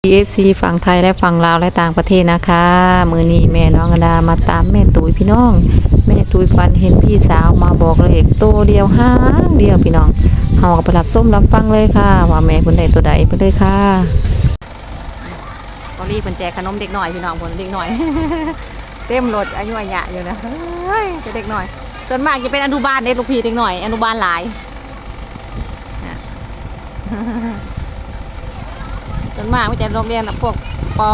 EFC ฝั่งไทยและฝั่งลาวและต่างประเทศนะคะมือนี้แม่น้องอดามาตามแม่ตุ้ยพี่น้องแม่ตุ้ยฝันเห็นพี่สาวมาบอกเลขตัวเดียวห้างเดียวพี่น้องเฮาก็ไปรับส้มรับฟังเลยค่ะว่าแม่เพิ่นได้ตัวใดไปเลยค่ะพอรีเพิ่นแจกขนมเด็กหน่อยพี่น้องเพิ่นเด็กหน่อย เต็มรถอายุอาญะอยู่นะเฮ้ยเด็กหน่อยส่วนมากจะเป็นอนุบาลเด็กลูกพี่เด็กหน่อยอนุบาลหลายส่วนมากไม่จะโรงเรียนพวก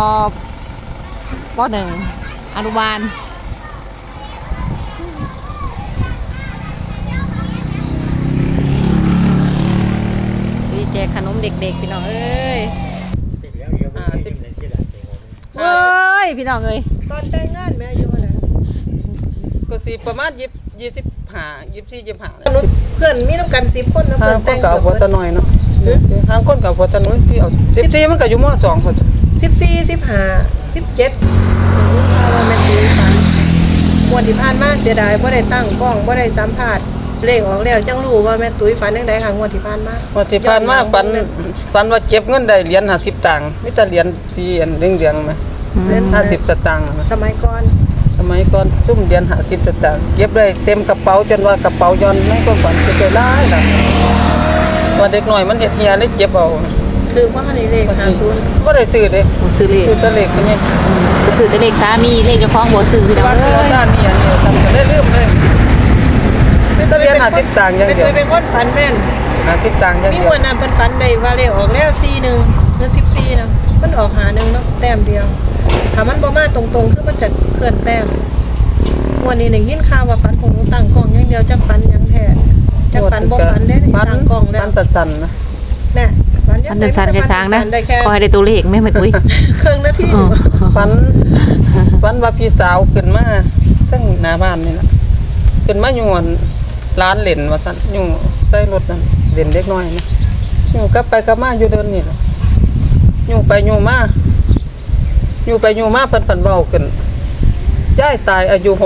ป.1 อนุบาลดีแจกขนมเด็กๆพี่น้องเอ้ยเฮ้ยพี่น้องเอ้ยตอนแต่งงานแม่อายุเท่าไหร่ก็สิประมาณ25 24 25 เพื่อนมีน้ำกัน10คนนะเพื่อนแต่งก็เอาหัวตะน้อยเนาะทางคนกับหัวตะน้อยที่เอา14มันก็อยู่ม.2พุ่น 14 15 17ว่าแม่ตุ้ยฝันงวดที่ผ่านมาเสียดายบ่ได้ตั้งกล้องบ่ได้สัมภาษณ์เลขออกแล้วจังรู้ว่าแม่ตุ้ยฝันจังได๋ค่ะงวดที่ผ่านมาฝันว่าเก็บเงินได้เหรียญ50ตังค์มีแต่เหรียญที่อันเรืองๆมั้ย50สตางค์สมัยก่อนซุ่มเหรียญ50สตางค์เก็บได้เต็มกระเป๋าจนว่ากระเป๋าย้อนในความฝันจะได้หลายล่ะว่าเด็กน้อยมันเฮ็ดเฮียได้เก็บเอาคือว่าในเลข50 บ่ได้ซื้อเด้ซื้อเลขซื้อแต่เลขเพิ่นนี่บ่ซื้อแต่เลขสามีเลขเจ้าของบ่ซื้อพี่น้องเอ้ยด้านนี้อันนี้ทำก็ได้ลืมเลยมีแต่เหรียญ50ตังค์อย่างเดียวแม่ตุ้ยเป็นคนฝันแม่น 50ตังค์อย่างมีเดียววันนั้นเพิ่นฝันได้ว่าเลขออกแล้ว41หรือ14นะมันออก51เนาะแต้มเดียวถ้ามันบ่มาตรงๆคือมันจะเคลื่อนแต้มวันนี้ได้ยินข่าวว่าฝันของหนูตั้งกล้องอย่างเดียวจักฝันหยังแท้จักฝันบ่ฝันเด้ตั้งกล้องแล้วมันสั่นๆนะแน่ฝันมันสั่นๆแค่สร้างนะคอยได้ตัวเลขแม่ตุ้ยเครื่องนาทีฝันว่าพี่สาวขึ้นมาทั้งหน้าบ้านนี่ล่ะขึ้นมาอยู่ร้านเล่นว่าซั่นอยู่ใส่รถนั่นเล่นเด็กน้อยนะอยู่กลับไปกลับมาอยู่เดินนี่ล่ะอยู่ไปอยู่มาเพิ่นเว้าขึ้นยายตายอายุ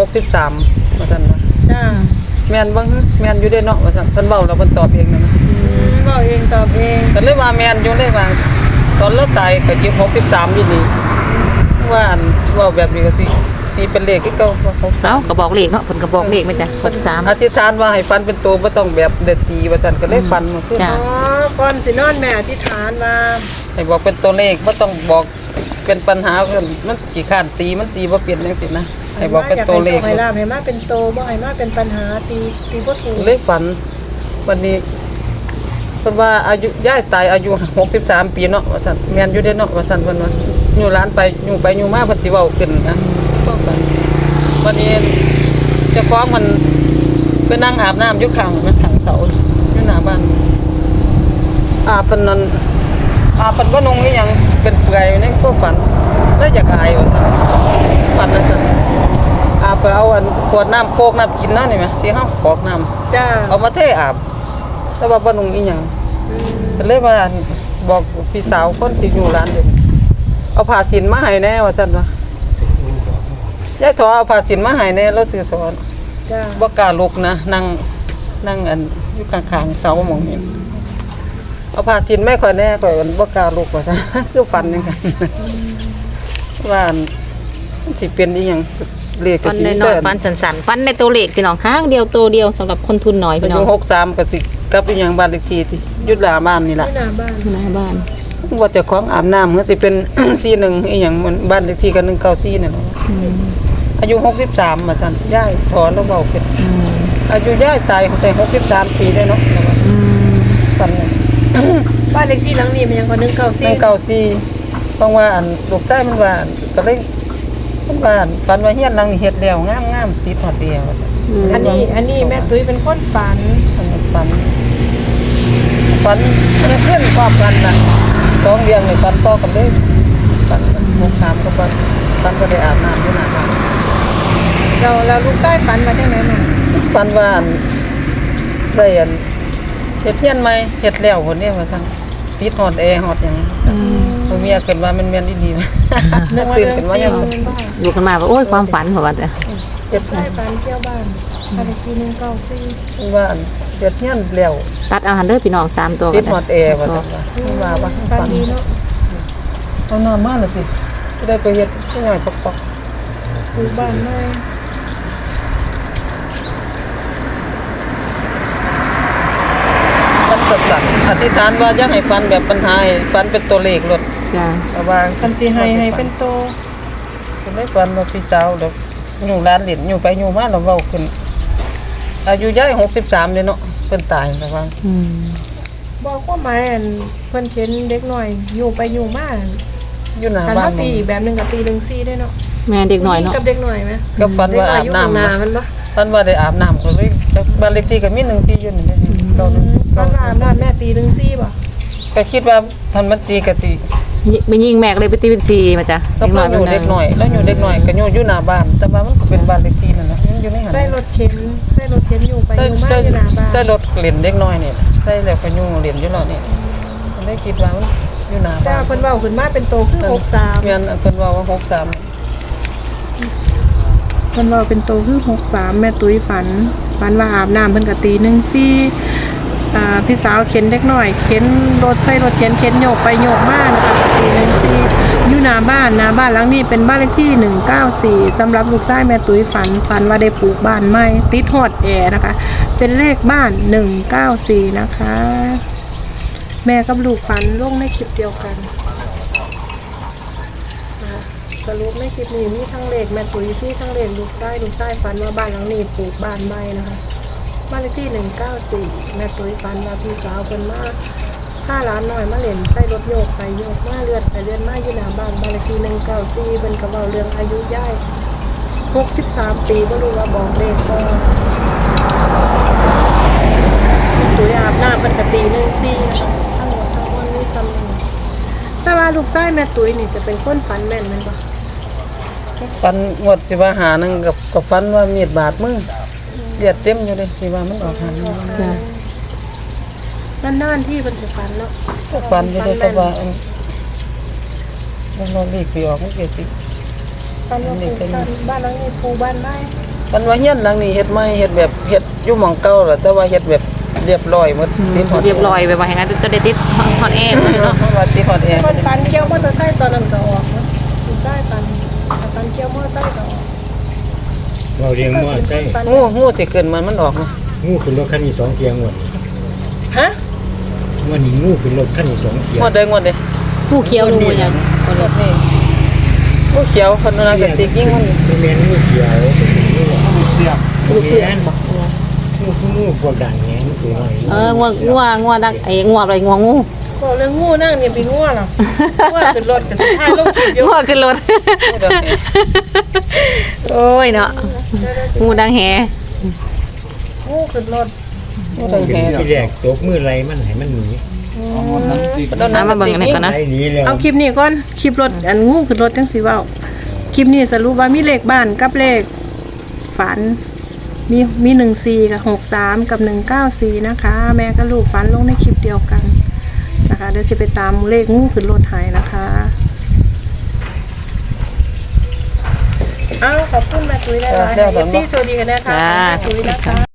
63ว่าซั่นว่าจ้าแม่นบ่ฮึแม่นอยู่เด้เนาะว่าซั่นเพิ่นเว้าแล้วเพิ่นตอบเองนั่นนะเว้าเองตอบเองก็เลยว่าแม่นอยู่เลยว่าตอนเราตายก็63อยู่นี่ว่าเว้าแบบนี้ก็สิตีเป็นเลขคือเก่าเอ้าก็บอกเลขเนาะเพิ่นก็บอกเลขมั้ยจ้ะ63 อธิษฐานว่าให้ฟันเป็นตัวบ่ต้องแบบเด็ดตีว่าซั่นก็เลยฟันมาคืออ๋อก่อนสินอนแม่อธิษฐานว่าให้บอกเป็นตัวเลขบ่ต้องบอกเป็นปัญหามันขี้ข้านตีมันตีบ่เป็นจังซี่นะให้บอกเป็นตัวเลขให้ลาบให้มาเป็นโตบ่ให้มาเป็นปัญหาตีบ่ถูกเลยฝันวันนี้เพิ่นว่าอายุยายตายอายุ63ปีเนาะว่าซั่นแม่นอยู่เด้เนาะว่าซั่นเพิ่นว่าอยู่ร้านไปอยู่มาเพิ่นสิเว้าขึ้นนะก็ฝันวันนี้เจ้าของมันไปนั่งอาบน้ำอยู่ข้างเสาอยู่หน้าบ้านอาบเพิ่นนั่นอาบเพิ่นบ่นุ่งอีหยังเป็นเปลือยในก็ฝันแล้วอยากอายว่าฝันนั่นซั่นอาบไปเอาอันขวดน้ำโคกน้ำกินนั่นนี่มั้ยที่เฮากรอกน้ำจ้าเอามาเทอาบแต่ว่าบ่นุ่งอีหยังก็เลยว่าบอกพี่สาวคนที่อยู่ร้านเด้เอาผ้าสินมาให้แน่ว่าซั่นว่ายายถอเอาผ้าสินมาให้แน่เราซื้อสอนจ้าบ่กล้าลุกนะนั่งอันอยู่ข้างๆเสาหม่องนี้เอาผ้าสินไม่ค่อยแน่ข่อยบ่กล้าลุกว่าซั่นคือฝันจังกันว่ามันสิเป็นอีหยังเลขก็สิได้ฟันสั่นๆฟันในตัวเลขพี่น้องข้างเดียวตัวเดียวสำหรับคนทุนน้อยพี่น้อง 63ก็สิกับอีหยังบ้านเลขที่ที่อยู่หน้าบ้านนี่ล่ะหน้าบ้านว่าเจ้าของอาบน้ำก็สิเป็น41อีหยังมันบ้านเลขที่ก็194นั่นแหละอายุ63ว่าซั่นยายถอนแล้วเว้าขึ้นอายุยายตายแต่63ปีได้เนาะฝันบ้านเลขที่หลังนี้มันยังก็ 194เพราะว่าอันลูกชายมันว่าก็เลยมันว่าฝันว่าเฮียนหลังนี้เฮ็ดแล้วงามๆติดฮอดเดียวว่าซั่นอันนี้แม่ตุ้ยเป็นคนฝันมันขึ้นความกันน่ะ2เดือนนี่ฝันต่อกันเลยฝัน63ก็ฝันก็ได้อาบน้ำอยู่หน้าบ้านเราลูกชายฝันมาจังได๋แม่ฝันว่าได้อันเฮ็ดเฮียนใหม่เฮ็ดแล้วพุ่นนี่ว่าซั่นติดฮอดแอร์ฮอดหยังบ่มีขึ้นว่ามันแม่นดีๆนึกตื่นขึ้นมายังลุกขึ้นมาว่าโอ้ยความฝันเหรอว่าแต่เก็บใส่ฝันเที่ยวบ้านบ้านเลขที่194 ว่าเฮ็ดเฮียนแล้วตัดเอาหันเด้อพี่น้อง3ตัวติดฮอดแอร์ว่าซั่นว่าฝันดีเนาะเอาน้ำมาน่ะสิจะได้ไปเฮ็ดให้หน่อยปอกปลูกบ้านใหม่ๆมันก็สั่นอธิษฐานว่าอย่าให้ฝันแบบปัญหาให้ฝันเป็นตัวเลขลดจ้าระวังคันสิให้เป็นโตสิได้ฝันว่าพี่สาวดอกอยู่ร้านเหรียญอยู่ไปอยู่มาแล้วเว้าขึ้นอายุยาย63เด้เนาะเพิ่นตายระวังบอกว่าหมายอันเพิ่นเข็นเด็กหน่อยอยู่ไปอยู่มาอยู่หน้าคันบ้าว่าน ตีอีกแบบหนึงกับตี1 4ได้เนาะแม่เด็กหน่อยเนาะกับเด็กหน่อยไหมก็ฝันว่าอาบน้ำเด็กหน่อยอยู่ข้างหน้านะมันบ่ฝันว่าได้อาบน้ำก็เลยบ้านเลขที่ก็มี14อยู่นี่เด้เก้าหนึ่งตอนอาบน้ำแม่ตี1 4บ่ก็คิดว่าพันมันตีก็สิไปยิงแม่ก็เลยไปตีเป็น4มาจ้ะก็เพิ่นอยู่เด็กหน่อยแล้วอยู่เด็กหน่อยก็อยู่หน้าบ้านแต่ว่ามันก็เป็นบ้านเลขที่นั่นน่ะมันอยู่ในหันใส่รถเข็นอยู่ไปอยู่มาอยู่หน้าบ้านใส่รถเล่นเด็กน้อยนี่ใส่แล้วก็อยู่เล่นอยู่แล้วนี่มันได้คิดว่ามันอยู่หน้าแต่บ้านเพิ่นเว้าขึ้นมาเป็นโตคือ63 แม่นอันเพิ่นว่า63 เพิ่นเว้าเป็นโตคือ63แม่ตุ้ยฝันว่าอาบน้ำเพิ่นก็ตี1 4พี่สาวเข็นเด็กน้อยเข็นรถใส่รถเข็นโยกไปโยกมานะคะตี1 4อยู่หน้าบ้านหลังนี้เป็นบ้านเลขที่194สำหรับลูกชายแม่ตุ้ยฝันว่าได้ปลูกบ้านใหม่ติดฮอดแอร์นะคะเป็นเลขบ้าน194นะคะ แม่กับลูกฝันลงในคลิปเดียวกันสรุปในคลิปนี้มีทั้งเลขแม่ตุ้ยพี่ทั้งเลขลูกชายฝันว่าบ้านหลังนี้ปลูกบ้านใหม่นะคะบ้านเลขที่194แม่ตุ้ยฝันว่าพี่สาวเพิ่นมาถ้าร้านน้อยมาเล่นใส่รถโยกไปโยกมาเลื่อนไปเลื่อนมาอยู่หน้าบ้านเลขที่194เพิ่นก็เว้าเรื่องอายุย่าย63 ปีบ่รู้ว่าบอกเลขบ่ตุ้ยอาบน้ำเพิ่นก็ตี1 4ทั้งหมดทั้งมวลมีซ้ำนึงแต่ว่าลูกชายแม่ตุ้ยนี่จะเป็นคนฝันแม่นแม่นบ่ฟันงวดสิว่าหานึงกับฟันว่ามีดบาดมือเลือดเต็มอยู่เลยสิว่ามันออกหันจ้ะนานๆที่เพิ่นสิฝันเนาะฟันอยู่เลยแต่ว่ามันนอีกสิออกมันก็สิฝันว่าปลูกบ้านหลังนี้ปลูกบ้านไม้ฟันว่าเฮียนหลังนี้เฮ็ดใหม่เฮ็ดแบบเฮ็ดอยู่หม่องเก่าแหละแต่ว่าเฮ็ดแบบเรียบร้อยหมดติดฮอดเรียบร้อยไปว่าอย่างนั้นจะได้ติดฮอตแอร์เลยเนาะว่าติดฮอดแอร์เพิ่นฝันเกี่ยวมอเตอร์ไซค์ตอนนั้นก็ออกเนาะลูกชายฝันเกี่ยวมอเตอร์ไซค์ก็ออกเราเรียงว่าใช่งูสิขึ้นมันออกนะงูขึ้นรถคันนี้2เที่ยงวันฮะวันนี้งูขึ้นรถคันนี้2เที่ยงงวดใดผู้เขียวรู้ยังงวดนี้งูเขียวคนนั้นก็สิยิงมันเป็นแมนงูเขียวงูเสียบลูกเสืองูพวกด่างแงนตัวน้อยงัวดังงัวอะไรงัวงูบอกเรื่องงูนั่งเนี่ยเป็นงูเหรองูขึ้นรถก็สิถ่ายลงคลิปอยู่งัวขึ้นรถ โอ้ยเนาะงูดังแฮงูขึ้นรถงูดังแหที่แรกตบมือไรมันให้มันหนีมาเบิ่งอันนี้ก่อนนะไรหนีแล้วเอาคลิปนี้ก่อนคลิปรถอันงูขึ้นรถจังสิเว้าคลิปนี้สรุปว่ามีเลขบ้านกับเลขฝันมี14กับ63กับ194นะคะ แม่กับลูกฝันลงในคลิปเดียวกันนะคะเดี๋ยวจะไปตามเลขงูขึ้นรถหายนะคะขอบคุณแม่ตุ้ยหลายๆ FC สวัสดีกันนะคะแม่ตุ้ยนะคะ